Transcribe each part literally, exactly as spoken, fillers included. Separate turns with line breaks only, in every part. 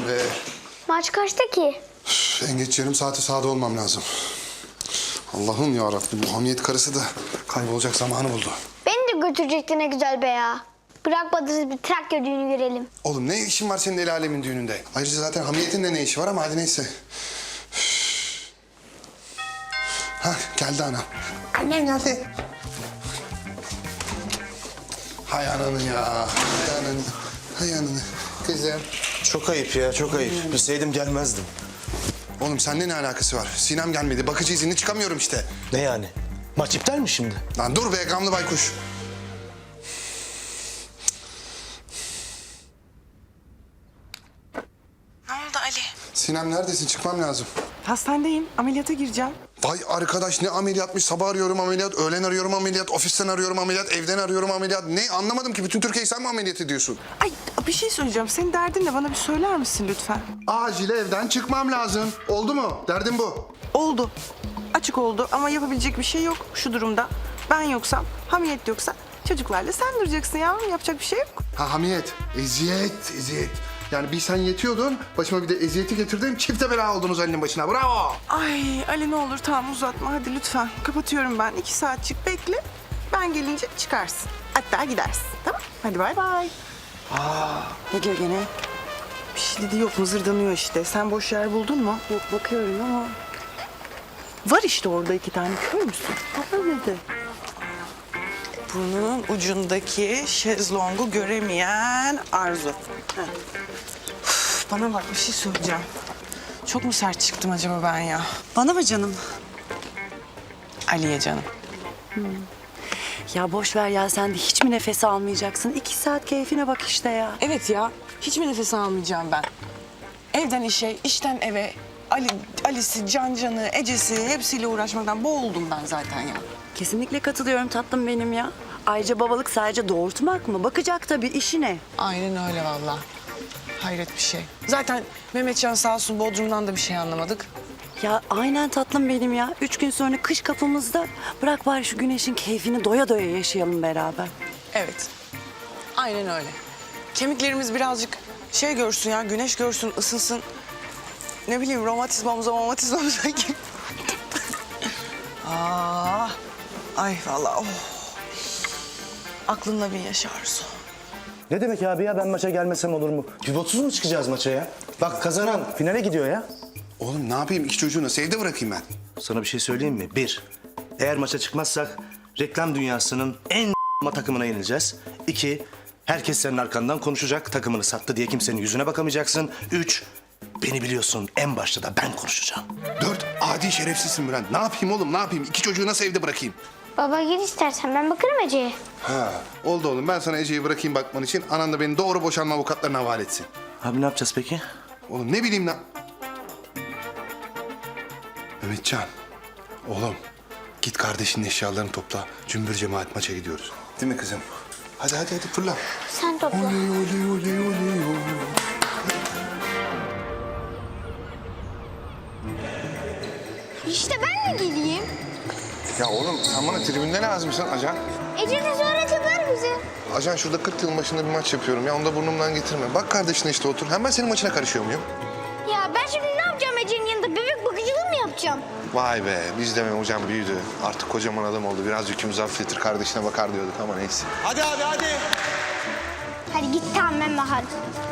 be.
Maç kaçta ki?
Üf, en geç yarım saate sahada olmam lazım. Allah'ım yarabbim, bu hamiyet karısı da kaybolacak zamanı buldu.
Beni de götürecekti ne güzel be ya. Bırakmadınız bir Trakya düğünü görelim.
Oğlum ne işin var senin el alemin düğününde? Ayrıca zaten hamiyetin de ne işi var ama hadi neyse. Ha geldi ana. Annem geldi. Hay ananı ya. Hay ananı. Hay ananı. Kızım.
Çok ayıp ya, çok ayıp. Bilseydim gelmezdim.
Oğlum seninle ne alakası var? Sinem gelmedi. Bakıcı izinli çıkamıyorum işte.
Ne yani? Maç iptal mi şimdi?
Lan dur be gamlı baykuş.
Ne oldu Ali?
Sinem neredesin? Çıkmam lazım.
Hastanedeyim. Ameliyata gireceğim.
Vay arkadaş ne ameliyatmış. Sabah arıyorum ameliyat, öğlen arıyorum ameliyat, ofisten arıyorum ameliyat, evden arıyorum ameliyat. Ne anlamadım ki bütün Türkiye'yi sen mi ameliyat ediyorsun?
Ay bir şey söyleyeceğim. Senin derdin ne? Bana bir söyler misin lütfen?
Acil evden çıkmam lazım. Oldu mu? Derdim bu.
Oldu. Açık oldu ama yapabilecek bir şey yok şu durumda. Ben yoksam, hamiyet yoksa çocuklarla sen duracaksın yavrum. Yapacak bir şey yok.
Ha hamiyet, eziyet, eziyet. Yani bir sen yetiyordun, başıma bir de eziyeti getirdin. Çifte bela oldunuz Ali'nin başına. Bravo.
Ay Ali ne olur tamam uzatma hadi lütfen. Kapatıyorum ben. İki saatçik bekle. Ben gelince çıkarsın. Hatta gidersin. Tamam. Hadi bay bay. Aa, ne diyor gene? Bir şey dediği yok mızırdanıyor işte. Sen boş yer buldun mu?
Yok bakıyorum ama
Var işte orada iki tane. Kör müsün?
nerede?
Burnunun ucundaki şezlongu göremeyen Arzu. Üf, bana bak bir şey söyleyeceğim. Çok mu sert çıktım acaba ben ya?
Bana mı canım?
Ali'ye canım.
Ya boş ver ya, sen de hiç mi nefes almayacaksın? İki saat keyfine bak işte ya.
Evet ya. Hiç mi nefes almayacağım ben? Evden işe, işten eve. Ali, Ali'si, Cancan'ı, Ece'si hepsiyle uğraşmaktan boğuldum ben zaten ya.
Kesinlikle katılıyorum tatlım benim ya. Ayrıca babalık sadece doğurtmak mı? Bakacak tabii, işi ne?
Aynen öyle vallahi. Hayret bir şey. Zaten Mehmetcan sağ olsun Bodrum'dan da bir şey anlamadık.
Ya aynen tatlım benim ya. Üç gün sonra kış kapımızda. Bırak bari şu güneşin keyfini doya doya yaşayalım beraber.
Evet. Aynen öyle. Kemiklerimiz birazcık şey görsün ya, güneş görsün, ısınsın. Ne bileyim romatizmamıza, romatizmamıza gibi. Aa, ay vallahi oh. Aklımla bin yaşa Arzu.
Ne demek abi ya, ben maça gelmesem olur mu? Pivotsuz mu çıkacağız maça ya? Bak kazanan finale gidiyor ya.
Oğlum ne yapayım? İki çocuğu nasıl evde bırakayım ben?
Sana bir şey söyleyeyim mi? Bir, eğer maça çıkmazsak reklam dünyasının en takımına yenileceğiz. İki, herkes senin arkandan konuşacak. Takımını sattı diye kimsenin yüzüne bakamayacaksın. Üç, beni biliyorsun, en başta da ben konuşacağım.
Dört, adi şerefsizsin Bülent. Ne yapayım oğlum ne yapayım? İki çocuğu nasıl evde bırakayım?
Baba gir istersen ben bakarım Ece'ye.
Ha, oldu oğlum. Ben sana Ece'yi bırakayım bakman için. Anan da beni doğru boşanma avukatlarına havale etsin.
Abi ne yapacağız peki?
Oğlum ne bileyim lan. Mehmetcan, oğlum git kardeşinin eşyalarını topla. Cümbür cemaat maça gidiyoruz. Değil mi kızım? Hadi hadi hadi fırla.
Sen topla.
Oley oley oley oley oley.
İşte ben de geleyim.
Ya oğlum sen bana tribünde lazımsın ajan.
Ece de sonra yapar bizi.
Ajan şurada kırk yıl başında bir maç yapıyorum ya. Onu da burnumdan getirme. Bak kardeşine işte otur. Hem ben senin maçına karışıyor muyum?
Ya ben şimdi ne yapacağım Ece'nin yanında? Bebek bakıcılığı mı yapacağım?
Vay be biz de mi hocam büyüdü. Artık kocaman adam oldu. Biraz yükümüzü hafifletir kardeşine bakar diyorduk ama neyse.
Hadi hadi hadi.
Hadi git tamam ben bakarım.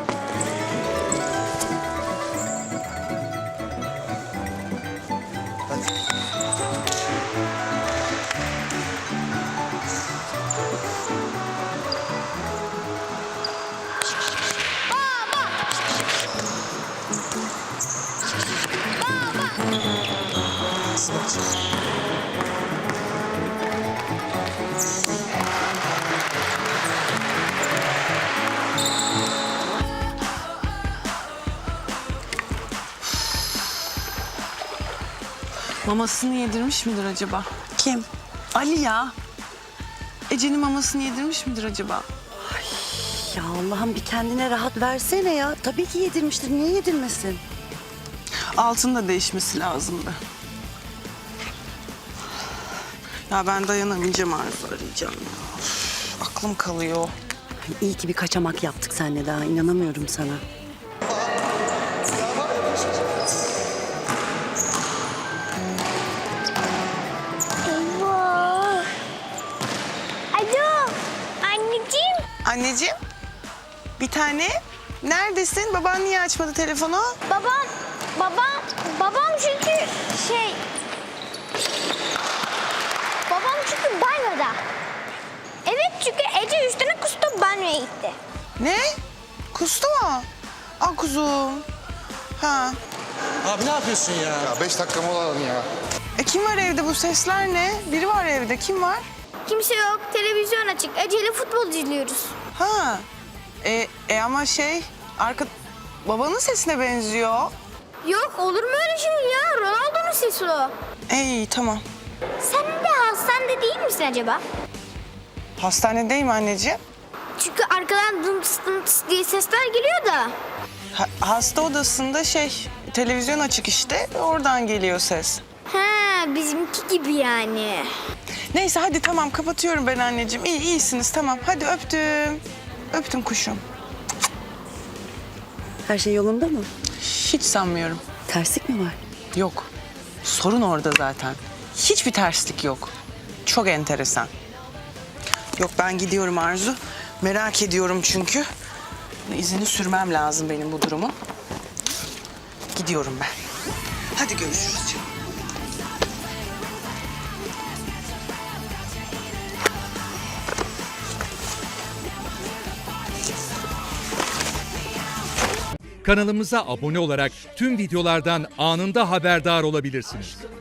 Mamasını yedirmiş midir acaba?
Kim?
Ali ya. Ece'nin mamasını yedirmiş midir acaba?
Ya Allah'ım bir kendine rahat versene ya. Tabii ki yedirmiştir. Niye yedirmesin?
Altının da değişmesi lazımdı. Ya ben dayanamayacağım Arzu, arayacağım ya. Üf, aklım kalıyor.
İyi ki bir kaçamak yaptık seninle daha. İnanamıyorum sana.
Anneciğim, bir tane. Neredesin? Baban niye açmadı telefonu?
Babam, babam, babam çünkü şey... Babam çünkü banyoda. Evet çünkü Ece üstüne kustu banyoya gitti.
Ne? Kustu mu? Ah kuzum. Ha.
Abi ne yapıyorsun ya?
Ya beş dakika mola alalım ya.
E kim var evde? Bu sesler ne? Biri var evde. Kim var?
Kimse yok, televizyon açık. Ece ile futbol izliyoruz.
Ha. E, e ama şey, arka... Babanın sesine benziyor.
Yok, olur mu öyle şey ya? Ronaldo'nun sesi o.
İyi, tamam.
Sen de hastanede değil misin acaba?
Hastanedeyim anneciğim.
Çünkü arkadan dıms dıms diye sesler geliyor da.
Ha- hasta odasında şey, televizyon açık işte. Oradan geliyor ses.
Ha, bizimki gibi yani.
Neyse hadi tamam kapatıyorum ben anneciğim. İyi iyisiniz tamam. Hadi öptüm. Öptüm kuşum.
Her şey yolunda mı?
Hiç sanmıyorum.
Terslik mi var?
Yok. Sorun orada zaten. Hiçbir terslik yok. Çok enteresan. Yok ben gidiyorum Arzu. Merak ediyorum çünkü. İzini sürmem lazım benim bu durumun. Gidiyorum ben. Hadi görüşürüz canım.
Kanalımıza abone olarak tüm videolardan anında haberdar olabilirsiniz.